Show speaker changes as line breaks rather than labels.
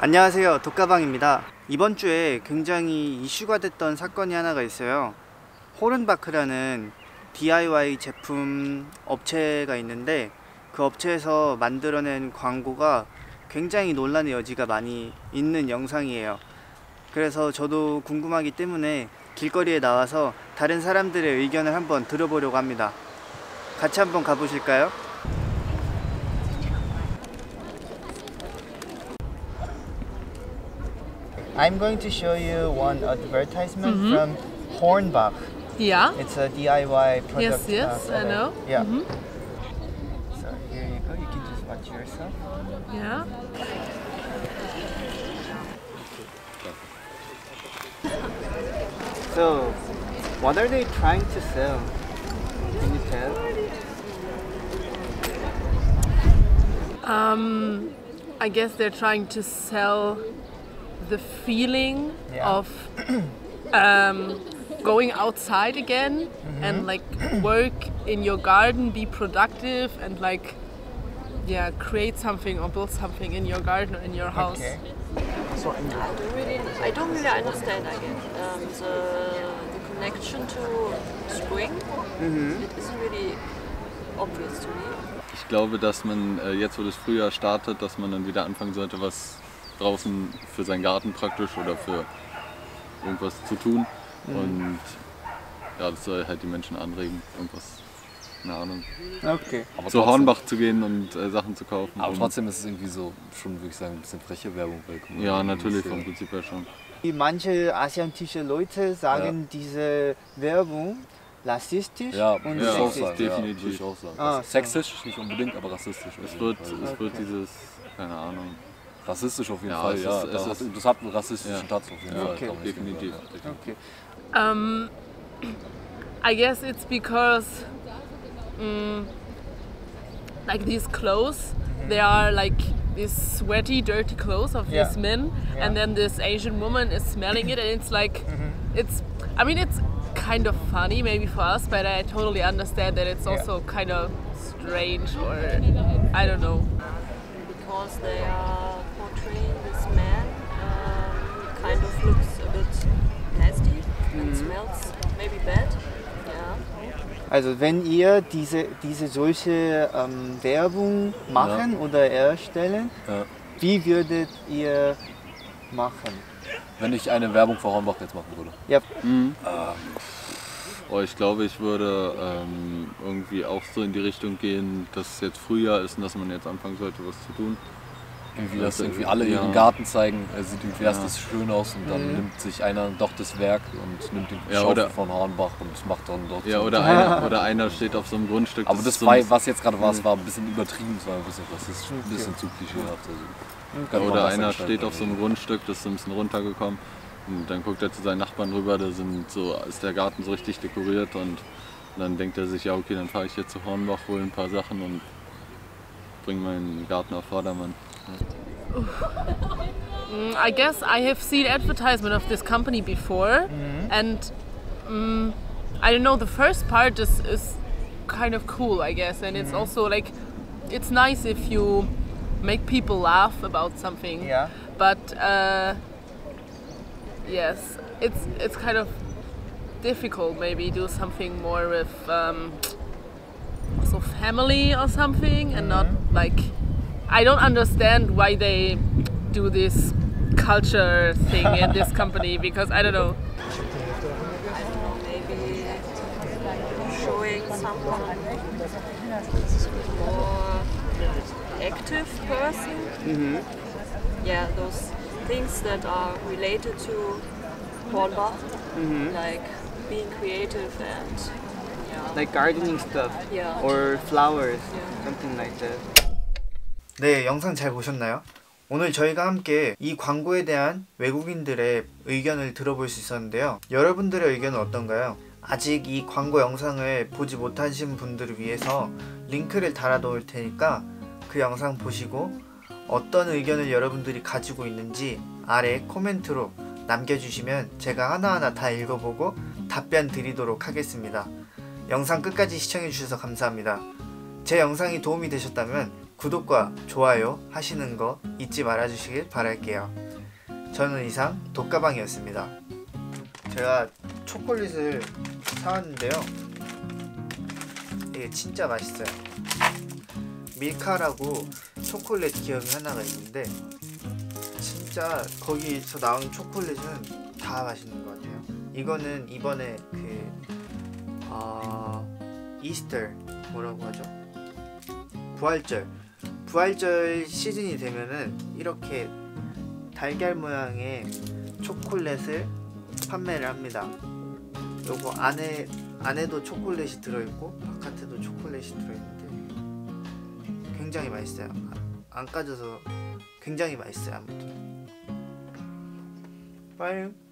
안녕하세요, 독가방입니다. 이번 주에 굉장히 이슈가 됐던 사건이 하나가 있어요. 호른바크라는 DIY 제품 업체가 있는데 그 업체에서 만들어낸 광고가 굉장히 논란의 여지가 많이 있는 영상이에요. 그래서 저도 궁금하기 때문에 길거리에 나와서 다른 사람들의 의견을 한번 들어보려고 합니다. 같이 한번 가보실까요? I'm going to show you one advertisement from Hornbach.
Yeah.
It's a DIY product.
Yes, I know.
Yeah. So here you go. You can just watch yourself.
Yeah.
So, what are they trying to sell? Can you tell?
I guess they're trying to sell the feeling of going outside again and like work in your garden, be productive and like create something or build something in your garden or in your house.
Okay.
I don't really understand again the connection to spring. It isn't really obvious to me.
Ich glaube, dass man jetzt, wo das Frühjahr startet, dass man dann wieder anfangen sollte, was draußen für seinen Garten praktisch oder für irgendwas zu tun. Und ja, das soll halt die Menschen anregen, irgendwas, keine Ahnung,
Okay.
Aber
zu
trotzdem-
Hornbach zu gehen und Sachen zu kaufen.
Aber
Und-
trotzdem ist es irgendwie so, schon würde ich sagen, ein bisschen freche Werbung. Weil, guck mal,
Ja,
irgendwie
natürlich,
ist,
vom Prinzip her schon.
Manche asiatische Leute sagen diese Werbung rassistisch
Ja,
und
würde ich auch
sexistisch.
sagen.
definitiv.
Ja, würde ich auch sagen.
Ah, so.
Sexistisch nicht unbedingt, aber rassistisch.
Es
auf
wird,
jeden Fall.
es wird dieses, keine Ahnung.
Rassistisch auf jeden
Ja,
Fall,
es
ja.
ist- es ist-
Das hat einen rassistischen
Ja.
Touch auf jeden
Ja,
Fall.
okay.
kann man nicht
Definitiv.
sagen,
Okay.
I guess it's because like these clothes, they are like these sweaty, dirty clothes of
Yeah.
these men, and then this Asian woman is smelling it, and it's like, it's kind of funny maybe for us, but I totally understand that it's also kind of strange or I don't know.
Because they are portraying this man, he kind of looks a bit nasty and smells maybe bad. Yeah.
Also wenn ihr solche Werbung machen oder erstellen,
Ja.
wie würdet ihr machen?
Wenn ich eine Werbung für Hornbach jetzt machen würde.
Ja,
Oh, ich glaube, ich würde irgendwie auch so in die Richtung gehen, dass es jetzt Frühjahr ist und dass man jetzt anfangen sollte, was zu tun.
Irgendwie,
Ja,
dass irgendwie alle
ja.
ihren Garten zeigen, er sieht irgendwie erst
Ja.
das schön aus und dann nimmt sich einer doch das Werk und nimmt den
Ja,
Schaufel
oder-
von Hornbach und macht dann dort
Ja,
so.
oder einer steht auf so einem Grundstück.
Aber
ist
das
so
war,
ein-
was jetzt gerade war, es war ein bisschen übertrieben, es war ein bisschen rassistisch, ein bisschen zu klischeehaft. Also, könnte man
Oder
besser
einer
gestalten.
steht auf so einem Grundstück, das ist so ein bisschen runtergekommen und dann guckt er zu seinen Nachbarn rüber, ist der Garten so richtig dekoriert und dann denkt er sich, ja okay, dann fahre ich jetzt zu Hornbach, hole ein paar Sachen und bringe meinen Garten auf Vordermann.
I guess I have seen advertisement of this company before, and I don't know. The first part is kind of cool, I guess, and it's also like it's nice if you make people laugh about something.
Ja.
But yes, it's kind of difficult. Maybe do something more with also family or something, and not like I don't understand why they do this culture thing in this company because I don't know.
I don't know, maybe showing someone more active person. Yeah, those things that are related to Hornbach, like being creative and
like gardening stuff
Yeah.
or flowers,
Yeah.
something like that. 네, 영상 잘 보셨나요? 오늘 저희가 함께 이 광고에 대한 외국인들의 의견을 들어볼 수 있었는데요. 여러분들의 의견은 어떤가요? 아직 이 광고 영상을 보지 못하신 분들을 위해서 링크를 달아 놓을 테니까 그 영상 보시고 어떤 의견을 여러분들이 가지고 있는지 아래 코멘트로 남겨주시면 제가 하나하나 다 읽어보고 답변 드리도록 하겠습니다. 영상 끝까지 시청해주셔서 감사합니다. 제 영상이 도움이 되셨다면 구독과 좋아요 하시는 거 잊지 말아주시길 바랄게요. 저는 이상 독가방이었습니다. 제가 초콜릿을 사왔는데요. 이게 진짜 맛있어요. 밀카라고 초콜릿 기업이 하나가 있는데 진짜 거기서 나온 초콜릿은 다 맛있는 것 같아요. 이거는 이번에 이스터 뭐라고 하죠? 부활절 시즌이 되면은 이렇게 달걀 모양의 초콜릿을 판매를 합니다. 요거 안에도 초콜릿이 들어있고 바깥에도 초콜릿이 들어있는데 굉장히 맛있어요. 안 까져서 굉장히 맛있어요. 아무튼 빠이.